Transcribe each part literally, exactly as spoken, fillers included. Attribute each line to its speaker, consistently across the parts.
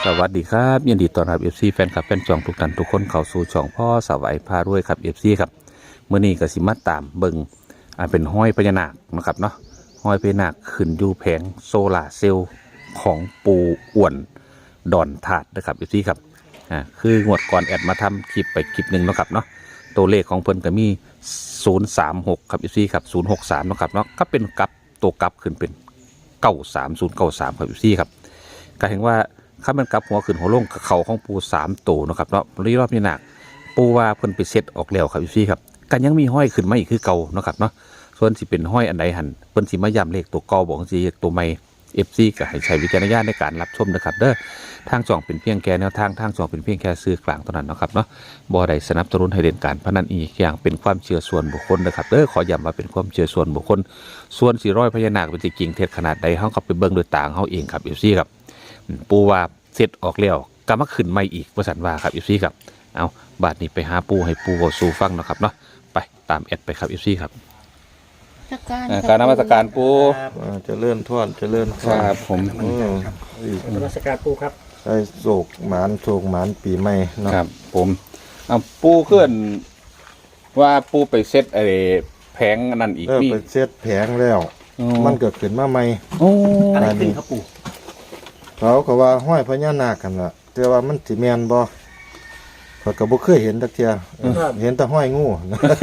Speaker 1: สวัสดีครับยินดีต้อนรับ เอฟ ซี แฟนคลับแฟนจองทุกท่านทุกคนเข้าสู่ช่องพ่อสวัยพารวยครับ เอฟ ซี ครับเมื่อนี้ก็สิมาตามเบิงอ่าเป็นห้อยพญานาคนะครับเนาะห้อยพญานาคขึ้นอยู่แผงโซลาเซลล์ของปูอ้วนดอนถาดนะครับ เอฟ ซี ครับอ่าคืองวดก่อนแอดมาทำคลิปไปคลิปหนึ่งนะครับเนาะตัวเลขของเพิ่นก็มีศูนย์สามหกครับ เอฟ ซี ครับศูนย์หกสามนะครับเนาะก็เป็นกลับตัวกลับขึ้นเป็นเก้าสามศูนย์เก้าสามครับ เอฟ ซี ครับก็เห็นว่าข้ามันกลับหัวขึ้นหัวลงกับเขาของปูสามตัวนะครับเนาะรีรอบนี้หนักปูว่าเพิ่นไปเซ็ตออกแล้วครับพี่ครับกันยังมีห้อยขึ้นมาอีกคือเก่านะครับเนาะส่วนสิเป็นห้อยอันใดหันเพิ่นสิมาย้ำเลขตัวเก่าบอกสิตัวใหม่เอฟซีก็ให้ใช้วิจารณญาณในการรับชมนะครับเด้อทางจ่องเป็นเพียงแค่แนวทางทางจ่องเป็นเพียงแค่ซื้อกลางเท่านั้นนะครับเนาะบ่ได้สนับสนุนให้เล่นการพนันอีกอย่างเป็นความเชื่อส่วนบุคคลนะครับเด้อขอย้ำว่าเป็นความเชื่อส่วนบุคคลส่วนสีร้อยพญานาคเป็นจริงเท็จขนาดใดเฮาก็ไปเบิ่งโดยตาเฮาเองครับเอฟซีครับปูว่าเสร็จออกแล้วก็มาขึ้นใหม่อีกว่าสันว่าครับอีซี่ครับเอาบาทนี้ไปหาปูให้ปูก็สู่ฟังนะครับเนาะไปตามแอดไปครับอีซี่ครับการนมัสการปู
Speaker 2: จะเลื่อนทอดจะเลื่อนทอด
Speaker 1: ครับผม
Speaker 3: นมัสการปูครับ
Speaker 2: ใส่โศกหมานโศกหมานปีใหม่
Speaker 1: นะครับผมเอาปูเคลื่อนว่าปูไปเซตไอ้แผงนั่นอีก
Speaker 2: มีไปเซตแผงแล้วมันเกิดขึ้นมาใหม่
Speaker 3: อะไรขึ้นครับปู
Speaker 2: เขาก็ว่าห้อยพญานาคกันละแต่ว่ามันสิแมนบ่เขาก็บ่เคยเห็นตักเทียเห็นแต่ห้อยงู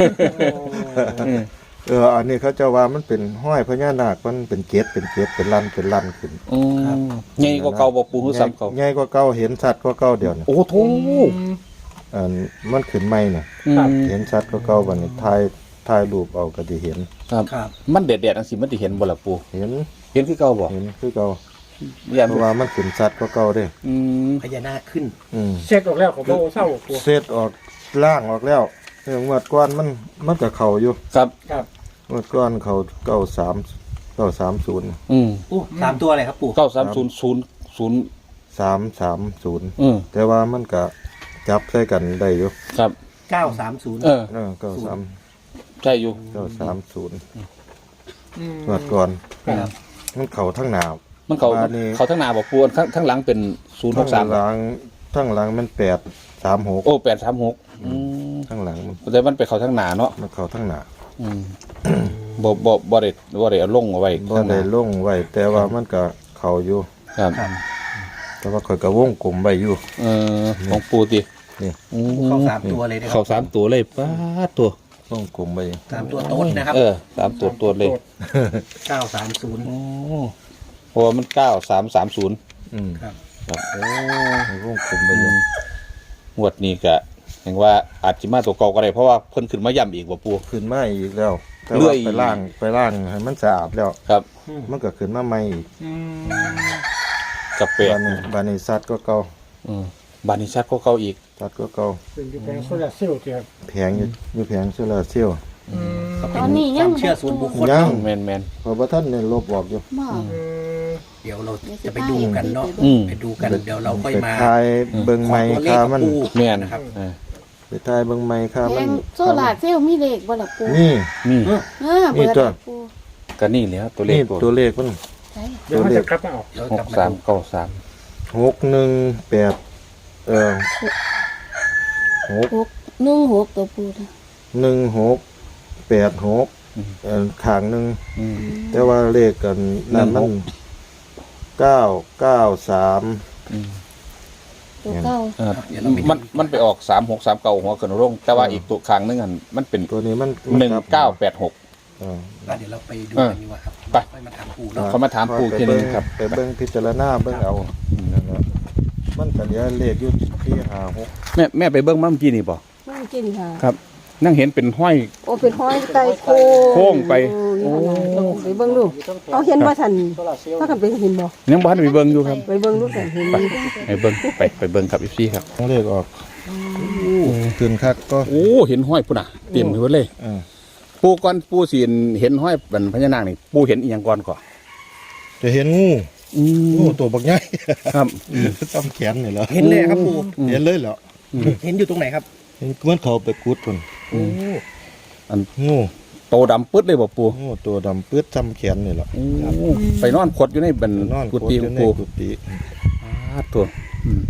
Speaker 2: เอออันนี้เขาจะว่ามันเป็นห้อยพญานาคมันเป็นเกศเป็นเกศเป็นลันเป็นลันขึ้น
Speaker 1: ใหญ่กว่าเก่าบ่ปูฮู้ซ้ำเก่า
Speaker 2: ใหญ่กว่าเก่าเห็นชัดกว่าเก่าเดี๋ยวนี้
Speaker 1: โอ้โธ่
Speaker 2: อันมันขึ้นใหม่น่ะเห็นชัดกว่าเก่าบัดนี้ถ่ายถ่ายรูปเอาก็สิเห็น
Speaker 1: ครับมันเด็ดๆจังซี่มันสิเห็นบ่ล่ะปู
Speaker 2: เห็น
Speaker 1: เห็นคือเก่าบ่
Speaker 2: เห็นคือเก่าเพราะว่ามันขึ้นชัดกว่าเก่าเด้
Speaker 3: พญานาคขึ้น
Speaker 2: เ
Speaker 3: สร็จออกแล้วของโบเศร้า
Speaker 2: เสร็จออกล่างออกแล้วเรื่องวัดก้อนมันมันก็เข่าอยู่
Speaker 1: ครับ
Speaker 3: ครับ
Speaker 2: วัดก้อนเข่าเก้าสามเก้าสามศูนย์
Speaker 1: อืม
Speaker 3: อู้สามตัวอะไรครับปู่
Speaker 1: เก้าสามศูนย์ศูนย์ศูนย์
Speaker 2: สามสามศูนย์
Speaker 1: อืม
Speaker 2: แต่ว่ามันก็จับใส่กันได้อยู่
Speaker 1: ครับ
Speaker 3: เก้าสามศูนย์
Speaker 1: เออ
Speaker 2: เก้าสาม
Speaker 1: ใช่อยู่
Speaker 2: เก้าสามศูนย์วัดก้อนมันเข่าทั้งหนาว
Speaker 1: มันเขาเขาทั้งหน้าบอกปูนทั้งทั้งหลังเป็นศูนย์หกสาม
Speaker 2: ทั้งหลังทั้งหลังมันแปดสามหก
Speaker 1: โอ้แปดสามหก
Speaker 2: ทั้งหลังมัน
Speaker 1: แต่มันไปเขาทั้งหน้าเนาะ
Speaker 2: มันเข่าทั้งหนา
Speaker 1: บ่บ่บ่ได้บ่ได้เอาลงเอาไว้
Speaker 2: บ่ได้ลงไว้แต่ว่ามันก็เข่าอยู่
Speaker 1: ครับ
Speaker 2: แต่ว่าข่อยก็วงกลมไว้อยู่
Speaker 1: เออของปูติ
Speaker 2: นี่
Speaker 3: เข้าสามตัวเลย
Speaker 1: เข้าสามตัวเลยป้าตัว
Speaker 2: วงกลมไว้
Speaker 3: สามตัวโต๊ดนะครับ
Speaker 1: เออสามตัวตัวเลย
Speaker 3: เก้าสามศูนย์
Speaker 1: เพราะว่ามันเก้าสามสามศูนย์
Speaker 2: อืม
Speaker 1: ครับ
Speaker 2: ครับโอ้วงกลมไปอยู่
Speaker 1: งวดนี้ก็เห็นว่าอาจจะมาตัวเก่าก็ได้เพราะว่าเพิ่นขึ้นมาย่ำอีกว่าปู
Speaker 2: ขึ้นมาอีกแล้วเลื่อยไปล่างไปล่างให้มันสะอาดแล้ว
Speaker 1: ครับ
Speaker 2: มันก็ขึ้นมาใหม่อีก
Speaker 1: กับเป็ด
Speaker 2: บานิซัดก็เก่า
Speaker 1: บานิซัดก็เก่าอีก
Speaker 2: ซัดก็เก่า
Speaker 3: เป็นแผงโซลาเซลล์ครับ
Speaker 2: แผงอยู่อยู่แผงโซลาเซลล์
Speaker 3: ตอนนี้ยังเชื่อส่วนบุคคล
Speaker 2: ยัง
Speaker 1: แมนแมน
Speaker 2: เพราะว่าท่านเนี่ยลบออกอยู่
Speaker 3: เดี๋ยวเราจะไปดูกันเนาะไปดูกันเดี๋ยวเราค่อยมา
Speaker 2: ทายเบิ้งไม้ค่ามัน
Speaker 1: แมนนะครับ
Speaker 2: ไปทายเบิ้งไม้ค่ามัน
Speaker 4: โซลาเซลล์มีเลขบ่ล่ะปู่
Speaker 2: นี่
Speaker 1: นี่
Speaker 2: นี่ตัว
Speaker 1: ก็นี่แล้วตัวเลข
Speaker 2: ตัวเลขมัน
Speaker 3: ตัวเลขครับเอา
Speaker 1: หกสามเก้าสาม
Speaker 2: หกหนึ่งแปดเออ
Speaker 4: หกหนึ่งหกตัวปู่
Speaker 2: หนึ่งหกแปดหกขางหนึ่งแต่ว่าเลขกันนั่นมันเก้าเก้าสาม
Speaker 4: ตัวเก้า
Speaker 1: มันมันไปออกสามหกสามเก้าหัวขึ้นร่งแต่ว่าอีกตัวขางนึงอันมันเป็น
Speaker 2: ตัวนี้มัน
Speaker 1: หนึ่งเก้าแปดหก
Speaker 3: เดี๋ยวเราไปดูกันดีกว่าครับ
Speaker 1: ไป
Speaker 3: มาถามปู่เนาะ
Speaker 1: เขามาถามปู่ทีนึงครับ
Speaker 2: ไปเบิ้งพิจารณาเบิ้งเอามันก็เดี๋ยวเลขยุดที่ห้าหก
Speaker 1: แม่แม่ไปเบิ้งมั่งกี้นี่บ่
Speaker 4: มั่งกี้นี่ค่ะ
Speaker 1: ครับนั่งเห็นเป็นห้อย
Speaker 4: โอ้เป็นห้อยไตโค้ง
Speaker 1: โค้งไป
Speaker 4: โอ้ไปเบิ้งดูเอาเห็นว่าทันถ้ากันไปเห็นบ่
Speaker 1: ยังบ้านไปเบิ้งอยู่ครับ
Speaker 4: ไปเบิ้งดูแต่เห็น
Speaker 1: ไปเบิ้งไปไปเบิ้งครับอีซี่ครับ
Speaker 2: เลขออกตื่นคักก็
Speaker 1: โอ้เห็นห้อยปุ่นอ่ะเต็มไปหมดเลยปูก่อนปูสีเห็นห้อยเป็นพญานาคนี่ปูเห็นอีกอย่างก่อนก่อน
Speaker 2: จะเห็นงูงูตัวบักใหญ่
Speaker 1: ครับ
Speaker 2: ต้มแขนนี่เหรอ
Speaker 3: เห็นเลยครับปู
Speaker 2: เห็นเลยเหรอ
Speaker 3: เห็นอยู่ตรงไหนครับ
Speaker 2: เห็นเหมือนเขาไปกุดคน
Speaker 3: โอ้
Speaker 1: อัน
Speaker 2: งู
Speaker 1: โตดำปึ๊ดเลยบ่ปู
Speaker 2: งูตัวดำปึ๊ดจำแขนนี่เหรอ
Speaker 1: ไปนอนขดอยู่ในบัน
Speaker 2: นอน
Speaker 1: กุฏิปู
Speaker 2: กุฏิ
Speaker 1: ตัว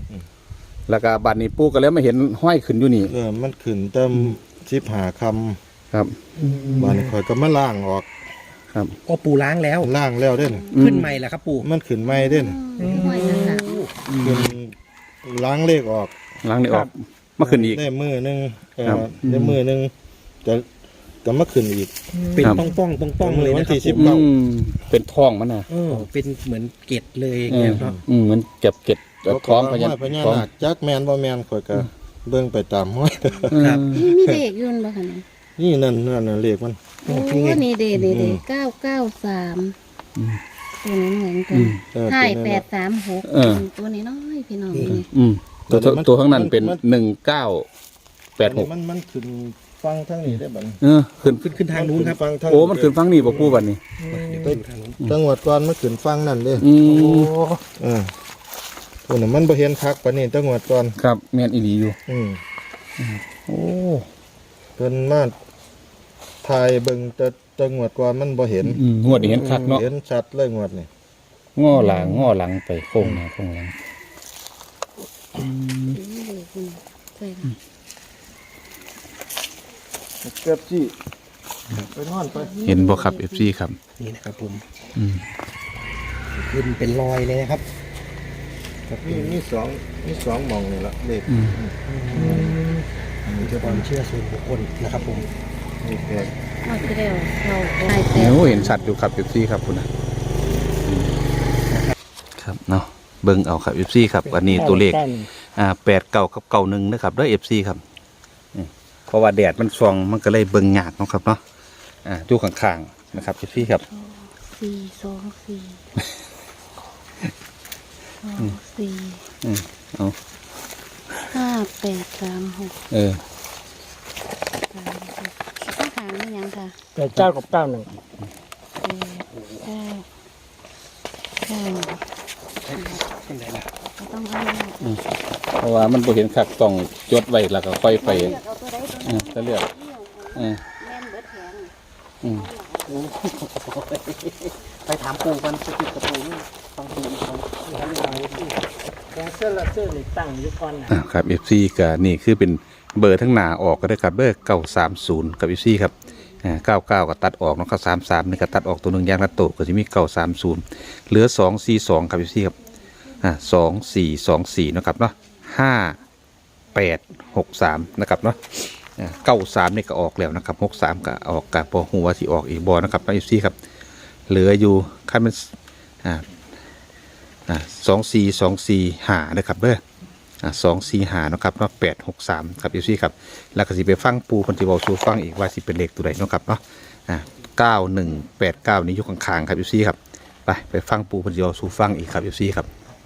Speaker 1: แล้วก็บัดนี้ปู่ก็เลยมาเห็นห้อยขึ้นอยู่นี่
Speaker 2: เออมันขึ้นเต็มสิบหาค
Speaker 1: ครับ
Speaker 2: ำบ้านข่อยก็มาล่างออก
Speaker 1: ครับ
Speaker 3: ก็ปูล้างแล้ว
Speaker 2: ล่างแล้วเด่น
Speaker 3: ขึ้นใหม่แล้วครับปู
Speaker 2: มันขึ้นไม่เด่น
Speaker 4: ห้อยนั่นน่ะ
Speaker 2: ขึ้นล้างเลขออก
Speaker 1: ล้างนี่ออกมาขึ้นอีก
Speaker 2: ได้มือหนึงเออ
Speaker 1: ครับ
Speaker 2: ได้มือหนึงจะจะมาขึ้นอีก
Speaker 3: เป็น
Speaker 1: ครับ
Speaker 3: ป้องป้องป้องป้องๆเลย
Speaker 2: วั
Speaker 3: นะ
Speaker 2: น
Speaker 3: ครั
Speaker 2: ที่
Speaker 3: บ
Speaker 2: สิบ
Speaker 3: ปู
Speaker 2: เก้า
Speaker 1: อืมเป็นท้องมันน่ะ
Speaker 3: เออเป็นเหมือนเกล็ดเลยอย่าง
Speaker 1: เอ
Speaker 3: เงี้
Speaker 1: อย
Speaker 3: ครับ
Speaker 1: อืมมันเก็บเก็บท้องพญา
Speaker 2: ห้อยพญา
Speaker 1: ท้อง
Speaker 2: นาคจักแมนบ่แมนข่อยก็เบิ่งไปตามห้อย
Speaker 3: ครับ
Speaker 4: นี่มีเลขอยุ่นบ่คะเนี่ย
Speaker 2: นี่นั่นนั่นน่ะเลขมัน
Speaker 4: โอ้นี่เด้เด้เด้เก้าเก้าสามตัวนี้เหมือนกั
Speaker 1: อื
Speaker 4: น
Speaker 1: ม
Speaker 2: เออ
Speaker 4: ใช่
Speaker 2: ตัว
Speaker 4: แป
Speaker 2: นี้
Speaker 4: ดสามหก
Speaker 1: เออ
Speaker 4: ตัวนี้น้อยพี่น้อง
Speaker 3: นี่
Speaker 4: นี่
Speaker 1: อืมตัว
Speaker 2: ตัวนี้มัน
Speaker 1: ตัวข้างนั้นเป็น
Speaker 2: มัน
Speaker 1: หนึ่งเก้าแปดหก
Speaker 2: มันมันขึ้นฟังทั้งนี้ได้บัดนี้
Speaker 1: เออขึ้น
Speaker 3: ขึ้นขึ้นทางนู้นครับ
Speaker 2: ฟังทั้ง
Speaker 1: โอ้มันขึ้นฟังนี่บ่ปู่บัดนี้
Speaker 2: ไปจังหวัดก่อนมันขึ้นฟังนั่นเด้
Speaker 1: อืม
Speaker 2: เออตัวนั้นมันบ่เห็นคักปานนี้จังหวัดก่อน
Speaker 1: ครับแม่นอีหลีอยู่
Speaker 2: อืม
Speaker 1: โอ้
Speaker 2: เพิ่นมาถ่ายเบิ่งแต่จังหวัดก่อนมันบ่เห็น
Speaker 1: อืมงวดนี้เห็นคักเนาะ
Speaker 2: เห็นชัดเลยงวดนี่
Speaker 1: ง้อหลังง้อหลังไปโค้งหน้าโค้งหลัง
Speaker 4: นี่เลขนี่ใช่ค่ะ
Speaker 2: เกือบสิไปนอนไป
Speaker 1: เห็นบ่ครับ เอฟ ซี ครับ
Speaker 3: นี่นะครับผม
Speaker 1: อืม
Speaker 3: ขึ้นเป็นรอยเลยนะครับ
Speaker 2: มีมีสองมีสองหมองนี่ละเลข
Speaker 1: อืม
Speaker 3: นี่คือความเชื่อส่วนบุคคลนะครับผม
Speaker 2: นี่แปด
Speaker 4: นอกจากแล้วเราใช่แป
Speaker 1: โอ้
Speaker 4: ด
Speaker 1: เห็นชัดอยู่ครับ เอฟ ซี ครับคุณนะอืมครับเนาะเบิ่งเอาครับ เอฟ ซี ครับอันนี้ตัวเลขอ่าแปดเก้ากับเก้าหนึ่งนะครับด้วย เอฟ ซี ครับอืมเพราะว่าแดดมันส่องมันก็เลยเบิ่งยากเนาะครับเนาะอ่าอยู่ข้างๆนะครับ เอฟ ซี ครับ
Speaker 4: สี่สองสี่สองสี่
Speaker 1: อืมเอา
Speaker 4: ห้าแปดสามหก
Speaker 1: เออ
Speaker 4: สามหกข้างหางนี่ยังค่ะ
Speaker 5: แปดเก้ากับเก้าหนึ่ง
Speaker 4: แปดเก้าเก้า
Speaker 3: ขึ้นไหนล่ะ
Speaker 4: ก็ต้องเอาเลข
Speaker 1: เพราะว่ามันบ่เห็นคักต้องจดไว้แล้วก็ค่อยไป
Speaker 4: เลือกเอาตัวใดตัวห
Speaker 1: อื
Speaker 4: นึ่
Speaker 1: ม
Speaker 4: ง
Speaker 1: ถ้าเลือกเออ
Speaker 4: แม่นเบิดแขน
Speaker 1: อืม
Speaker 3: ไปถามปูกันสกิดกับปูนี่ฟังปูอีกคน
Speaker 5: แดนเซอร์ลาเซอร์นี่ตั้งอยุคอนนะ
Speaker 1: อ่าครับ เอฟ ซี ก็นี่คือเป็นเบอร์ทั้งหน้าออกก็ได้ครับเบอร์เก้าสามศูนย์กับ เอฟ ซี ครับอ่าเก้าเก้าก็ตัดออกเนาะครับสามสามนี่ก็ตัดออกตัวหนึ่งยางละโตก็จะมีเก้าสามศูนย์เหลือสองสี่สองครับ เอฟ ซี ครับอ่าสองสี่สองสี่นะครับเนาะห้าแปดหกสามนะครับเนาะเก้าสามนี่ก็ออกแล้วนะครับหกสามก็ออกกับพอหัวที่ออกอีกบอนะครับ เอฟ ซี ครับเหลืออยู่ขั้นมันอ่าอ่าสองสี่สองสี่หานะครับเด้อ สองสี่หานะครับเนาะแปดหกสามครับเอฟซีครับแล้วก็สิไปฟังปูคนที่บอกสู่ฟังอีกว่าสิเป็นเลขตัวใดเนาะครับเนาะอ่าเก้าหนึ่งแปดเก้านี้อยู่ข้างๆครับเอฟซีครับไปไปฟังปูคนที่บอกสู่ฟังอีกครับเอฟซีครับ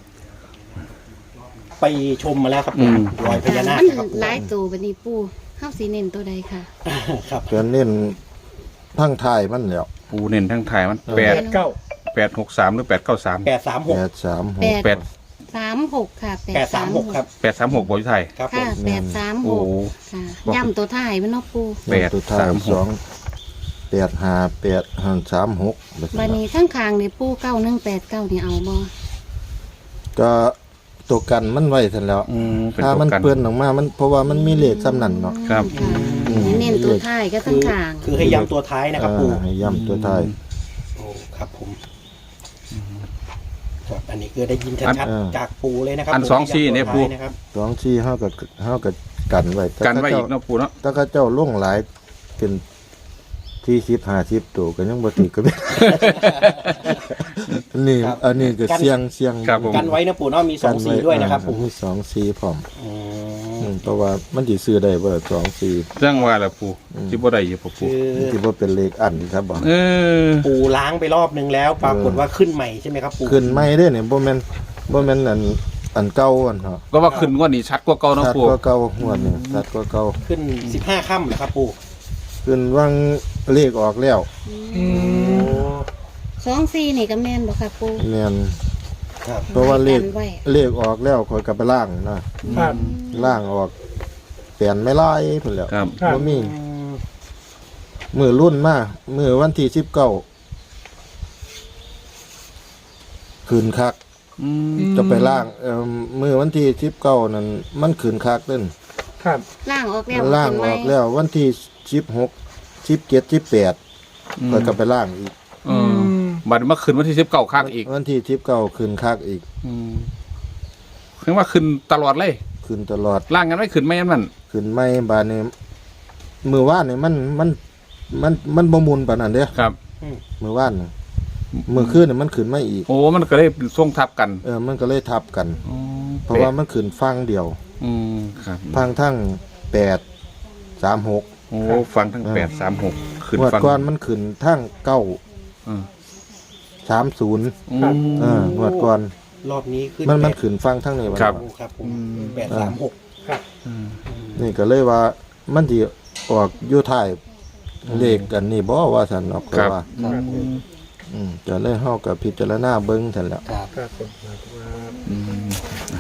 Speaker 3: ไปชมมาแล้วครับ
Speaker 1: อืม
Speaker 3: รอยพญานาค
Speaker 4: มัน
Speaker 3: นะครับปู
Speaker 4: หลายตัวบัดนี้ปูเฮาสิเน้นตัวใดค่ะ
Speaker 3: ครับ
Speaker 2: เพิ่นเน้นทั้งไทายมันแล้ว
Speaker 1: ปูเน้นทั้งไทายมันแปด
Speaker 5: แปดเก้า
Speaker 1: แปดหกสามหรือแปดเก้าสาม
Speaker 3: แปดสามหก
Speaker 2: แปดสามห
Speaker 4: แป
Speaker 2: ก
Speaker 4: ด
Speaker 1: แปด
Speaker 4: สามหกค่ะ
Speaker 3: แปดสามหกครับ
Speaker 1: แปดสามหกบอยไทย
Speaker 3: ครับผ
Speaker 4: ค่ะ
Speaker 3: ม
Speaker 4: แปดสามห
Speaker 1: โอ้
Speaker 4: กค่ะย่ำตัวท้ายมันเนาะปู
Speaker 1: แปด
Speaker 2: ตัวท้าย
Speaker 1: สามหก
Speaker 2: สองแปดห้าแปดห้าสามหก
Speaker 4: บัดนี้ข้างคางนี่ปูเก้าหนึ่งแปดเก้านี่เอาบ่
Speaker 2: ก็ตัวกันมันไว้ทันแล้ว
Speaker 1: อืมเป็น
Speaker 2: ถ้า
Speaker 1: ตัว
Speaker 2: มัน
Speaker 1: กัน
Speaker 2: เปื้อนออกมามันเพราะว่ามันมีเลขซ้ำนั่นเนาะ
Speaker 1: ครับ
Speaker 4: ค่ะ
Speaker 2: อืม
Speaker 4: เน้นตัวท้ายก็
Speaker 3: คื
Speaker 4: ข้าง
Speaker 3: อ
Speaker 4: คาง
Speaker 3: คือให้ย้ำตัวท้ายนะครับปู
Speaker 2: อ่าให้ย่ำตัวท้าย
Speaker 3: โอ้ครับผมครับอันนี้คือได้ยินชัด
Speaker 2: อ่า
Speaker 3: ๆจากปูเลยนะครับ
Speaker 1: อันสองสี่เนี่ยปู
Speaker 3: ให้ำตัวท้านะครับ
Speaker 2: สองสี่ห้ากับห้ากับกันไว้แต่
Speaker 1: กันไว้
Speaker 2: ถ้า
Speaker 1: อี
Speaker 2: เจ้าก
Speaker 1: เนาะปูเนาะ
Speaker 2: ถ้าเขาเจ้าล่งหลายเป็นที่สิบห้าสิบตัวก็ยังบ่ติดก็ไม่ อันนี้
Speaker 3: ครับ
Speaker 2: อันนี้ก็เสียงเสียง
Speaker 1: ครับผม
Speaker 3: กันไว้นะปูเนาะมีสองสีด้วยนะครับผม
Speaker 2: มีสองสี่พร้อม
Speaker 3: อื
Speaker 2: อื
Speaker 3: ม
Speaker 2: มเพราะว่ามันสิซื้อได้บ่สองสี่
Speaker 1: เรื่องว่าแหละปูจิบ่ได้อยู่ปู
Speaker 3: คือ
Speaker 2: มันสิบ่เป็นเลขอันครับบ่
Speaker 1: เออ
Speaker 3: ปูล้างไปรอบนึงแล้ว ปรากฏว่าขึ้นใหม่ใช่ไหมครับปู
Speaker 2: ขึ้นใหม่เด้อเนี่ยบ่แม่นบ่แม่นอันอันเก่าอันเนาะ
Speaker 1: ก็ว่าขึ้นงว่านี้ชัดกว่าเก่าเนาะ
Speaker 2: ชัด
Speaker 1: ปู
Speaker 2: กว่าเก่าหวดนี่ชัดกว่าเก่า
Speaker 3: ขึ้นสิบห้าค่ำเหรอครับปู
Speaker 2: ขึ้นวางเลขออกแล้ว
Speaker 4: สองสี่นี่ก็แม่นบ่ค่ะปู
Speaker 2: แม่น
Speaker 3: ครับ
Speaker 2: เพราะว่าเลข
Speaker 4: กันไว้
Speaker 2: เลขออกแล้วข่อยก็ไปล่างนะครับ ล่างออกเปลี่ยนไม่ลายพุ่นแล้ว
Speaker 1: ครับ
Speaker 5: ครับ
Speaker 2: บ่มีมือรุ่นมามือวันที่สิบเก้าคืนคัก
Speaker 1: อืม
Speaker 2: จะไปล่างเอ่อมือวันที่สิบเก้านั่นมันขืนคักเล่น
Speaker 5: ครับ
Speaker 6: ล่างออกแล้ว
Speaker 2: ล่างออกแล้ววันที่สิบหกสิบเจ็ดสิบแปดก็จะไปล่างอีก
Speaker 1: เออบัดเมื่อคืนวันที่สิบเก้าคักอีก
Speaker 2: วันที่สิบเก้าขืนคักอีก
Speaker 1: อืมคือว่าขึ้นตลอดเลย
Speaker 2: ขืนตลอด
Speaker 1: ล่างกันไม่ขึ้นไม่ยันมัน
Speaker 2: ขืนไม่บานนี้มือว่านนี่มันมันมันมันบ่มุนปานนั้นเด้อ
Speaker 1: ครับ
Speaker 2: มือว่านนี่มือขึ้นนี่มันขืนไม่อีก
Speaker 1: โอ้มันก็เลยส่งทับกัน
Speaker 2: เออมันก็เลยทับกัน
Speaker 1: อ๋อ
Speaker 2: เพราะว่ามันขืนฟังเดียว
Speaker 1: อืมครับ
Speaker 2: ฟังทั้งแปดสามหก
Speaker 1: โอ้ฟังทั้งแปดสามหกขึ้น
Speaker 2: งวด
Speaker 1: ฟัง
Speaker 2: ก่อนมันขืนทั้งเก้า
Speaker 1: อืม
Speaker 2: สามศูนย์
Speaker 1: อืม
Speaker 2: เอองวดก่อน
Speaker 3: รอบนี้ขึ้น
Speaker 2: มันมัน
Speaker 3: แปด
Speaker 2: ขืนฟังทั้งนี้
Speaker 1: ครับ
Speaker 3: โอ้ครับผมแปดสามหก
Speaker 5: ครับ
Speaker 2: นี่ก็เลยว่ามันที่ออกอยู่ท้ายเลขกันนี่บ่ว่าสันออกก็
Speaker 1: ครับ
Speaker 2: ว่า
Speaker 5: ครับผม
Speaker 2: อืมจะเลยเฮากับพิจารณาเบิ่งซั่นแหล้ว
Speaker 3: ครับ
Speaker 5: ครับผมครับ
Speaker 1: อืม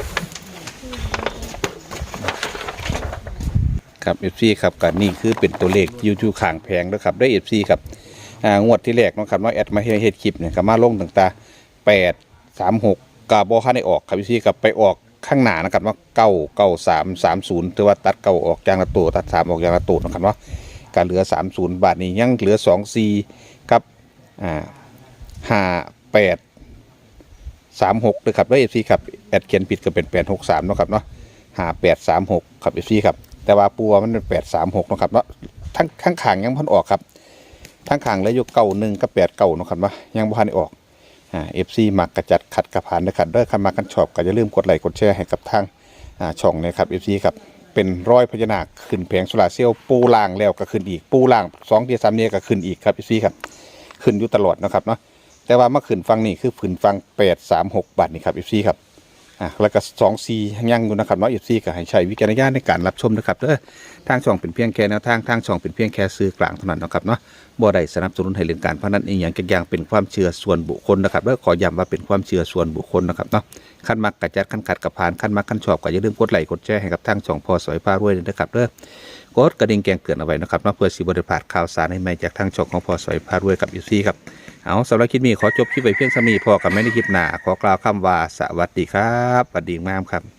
Speaker 1: ครับเอฟซีครับกันนี่คือเป็นตัวเลขยูทูข่างแพงด้วยครับได้เอฟซีครับอ่างวดที่แรกเนาะครับว่าแอดมาเฮ็ดคลิปเนี่ยก็มาลงต่างๆแปดสามหกกาบอค่าได้ออกครับเอฟซีกับไปออกข้างหน้านะครับว่าเก้าเก้าสามสามศูนย์ถือว่าตัดเก้าออกยางละตัวตัดสามออกยางละตัวนะครับว่าการเหลือสามศูนย์บาทนี้ยังเหลือสองสี่ครับอ่าห้าแปดสามหกเลยครับได้เอฟซีครับแอดเขียนผิดก็เป็นแปดหกสามเนาะครับเนาะห้าแปดสามหกครับเอฟซีครับแต่ว่าปัวมันเป็นแปดสามหกนะครับเนาะทั้งข้างขางยังพันออกครับทั้งขางแล้วยกเก้าหนึ่งกับแปดเก้าเนาะครับว่ายังพันได้ออกอ่าเอฟซีมักกระจัดขัดกระผ่านนะครับเด้อคันมากันชอบก็อย่าลืมกดไลค์กดแชร์ให้กับทางอ่าช่องนะครับเอฟซีครับเป็นร้อยพญานาคขึ้นแผงโซลาร์เซลล์ปูล่างแล้วก็ขึ้นอีกปูล่างสองเดียสามเดียก็ขึ้นอีกครับเอฟซีครับขึ้นอยู่ตลอดนะครับเนาะแต่ว่าเมื่อขึ้นฟังนี่คือขึ้นฟังแปดสามหกบาทนี่ครับเอฟซีครับอ่าแล้วก็สองซียังอยู่นะครับเนาะเอฟซีก็ให้ใช้วิจารณญาณในการรับชมนะครับเด้อทางช่องเป็นเพียงแค่แนวทางทางช่องเป็นเพียงแค่ซื้อกลางเท่านั้นนะครับเนาะบ่ได้สนับสนุนให้เล่นการพนันเองอย่างอย่างเป็นความเชื่อส่วนบุคคลนะครับแล้วขอย้ำว่าเป็นความเชื่อส่วนบุคคลนะครับเนาะขั้นมักกระจัดขั้นขัดกระพานขั้นมักขั้นชอบก็อย่าลืมกดไลค์กดแชร์ให้กับทางช่องพอสวยพารวยด้วยนะครับเด้อกดกระดิ่งแจ้งเตือนเอาไว้นะครับเนาะเพื่อสิบ่ได้พลาดข่าวสารใหม่ๆจากทางช่องของพอสวยพารวยกับยูซี่ครับเอาสำหรับคลิปนี้ขอจบคลิปไปเพียงเท่านี้พอกับไม่ได้คลิปหน้าขอกล่าวคำว่าสวัสดีครับสวัสดีมากครับ